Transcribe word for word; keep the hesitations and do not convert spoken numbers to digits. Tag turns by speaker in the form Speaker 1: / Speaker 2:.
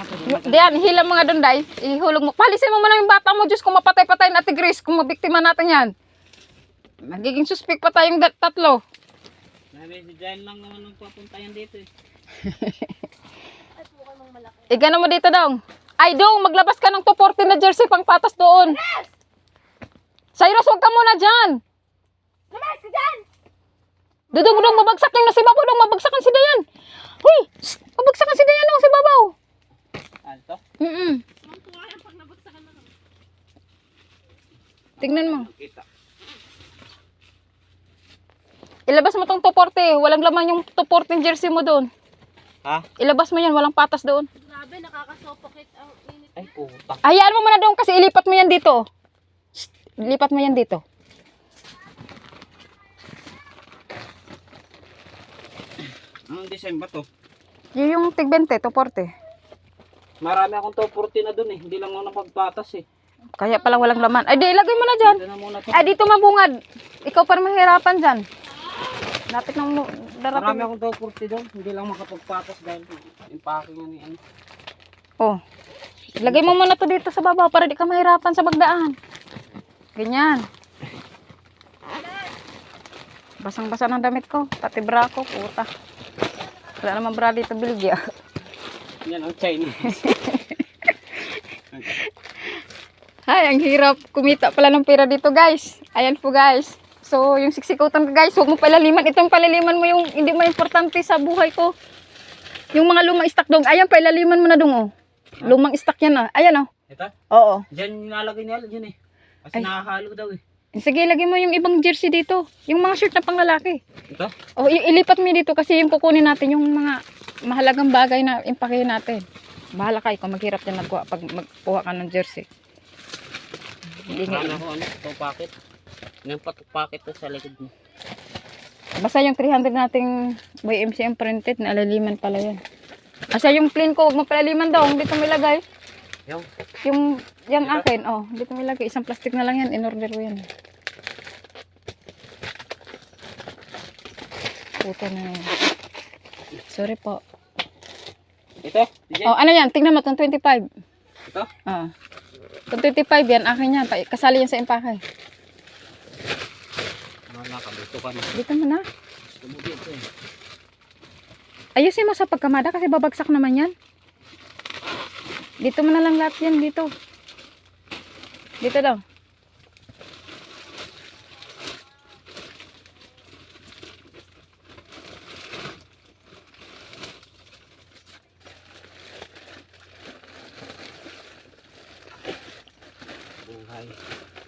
Speaker 1: Diyan, hila mga doon, day. Ihulog mo. Palisin mo muna yung bata mo, Diyos, kung mapatay-patay na Ate Grace, kung mabiktima natin yan. Magiging suspect pa tayong dat- tatlo.
Speaker 2: Sabi, si Jan lang naman ang papuntayan dito eh.
Speaker 1: Igano mo dito, dong. Ay, dong, maglabas ka ng two forty na jersey pang patas doon. Cyrus, huwag ka muna dyan.
Speaker 3: Malas ka dyan!
Speaker 1: Dudong, dong, mabagsak yung si Babaw, dong, mabagsakan si Dayan. Huy, shh, mabagsakan si Dayan, dong, si Babaw.
Speaker 2: Alto?
Speaker 1: Mm-mm. Tignan mo.
Speaker 2: Kita.
Speaker 1: Ilabas mo tong two forty. Walang laman yung two forty jersey mo doon.
Speaker 2: Ha?
Speaker 1: Ilabas mo yan. Walang patas doon.
Speaker 3: Grabe, nakakasopokit ang init.
Speaker 2: Ay, puta.
Speaker 1: Hayaan mo muna doon kasi ilipat mo yan dito. Shh, ilipat mo yan dito.
Speaker 2: Anong design ba to?
Speaker 1: Yun yung tig twenty, two forty.
Speaker 2: Marami akong two forty na dun eh. Hindi lang ako napagpatas eh.
Speaker 1: Kaya pala walang laman. Ay, di, ilagay mo na dyan.
Speaker 2: Dito na muna to.
Speaker 1: Ay, dito mabungad. Ikaw pa mahirapan dyan. Lapit ng mu-
Speaker 2: Marami
Speaker 1: darating.
Speaker 2: akong two forty doon. Hindi lang makapagpatas dahil yung packing nga ni ano.
Speaker 1: Oh. Ilagay mo muna to dito sa baba para di ka mahirapan sa pagdaan. Ganyan. Basang-basa ng damit ko. Pati bra ko. Puta. Wala naman bra dito biligya.
Speaker 2: Yan ang Chinese.
Speaker 1: Ay, ang hirap kumita pala ng pera dito, guys. Ayan po, guys. So, yung siksikutan ko, guys, huwag mo palaliman. Itong palaliman mo yung hindi mo importante sa buhay ko. Yung mga lumang stock dong. Ayan, palaliman mo na dong, oh. Lumang stock yan, ah. Ayan, oh.
Speaker 2: Ito?
Speaker 1: Oo.
Speaker 2: Diyan nalagay nila dyan eh. Kasi
Speaker 1: Ay.
Speaker 2: nakahalo daw eh.
Speaker 1: Sige, lagay mo yung ibang jersey dito. Yung mga shirt na panglalaki.
Speaker 2: Ito?
Speaker 1: O, i- ilipat mo dito kasi yung kukunin natin yung mga mahalagang bagay na impakihin natin. Bahala kayo kung maghirap din nagkuha pag magkuha ka ng jersey. Hindi nga.
Speaker 2: Marami ako ano, two packet. Yung patok packet to sa likod mo.
Speaker 1: Basta yung three hundred nating Y M C M printed, naalaliman pala yan. Asa yung plain ko, huwag mo palaliman daw. Dito mo ilagay.
Speaker 2: Yung?
Speaker 1: Yung, yung
Speaker 2: Ito?
Speaker 1: akin, oh, dito mo ilagay. Isang plastic na lang yan, in-order ko yan. Puto na yan. Sorry po.
Speaker 2: Ito? Diyan?
Speaker 1: Oh, ano yan? Tingnan mo, itong twenty-five.
Speaker 2: Ito?
Speaker 1: Ah. Itong twenty-five yan, akin yan. Pa- Kasali yan sa impake.
Speaker 2: Wala ka, dito ka na.
Speaker 1: Dito mo na.
Speaker 2: Gusto mo dito eh.
Speaker 1: Ayusin mo sa pagkamada kasi babagsak naman yan. Dito mo na lang lahat yan, dito. Dito daw.
Speaker 2: Buhay.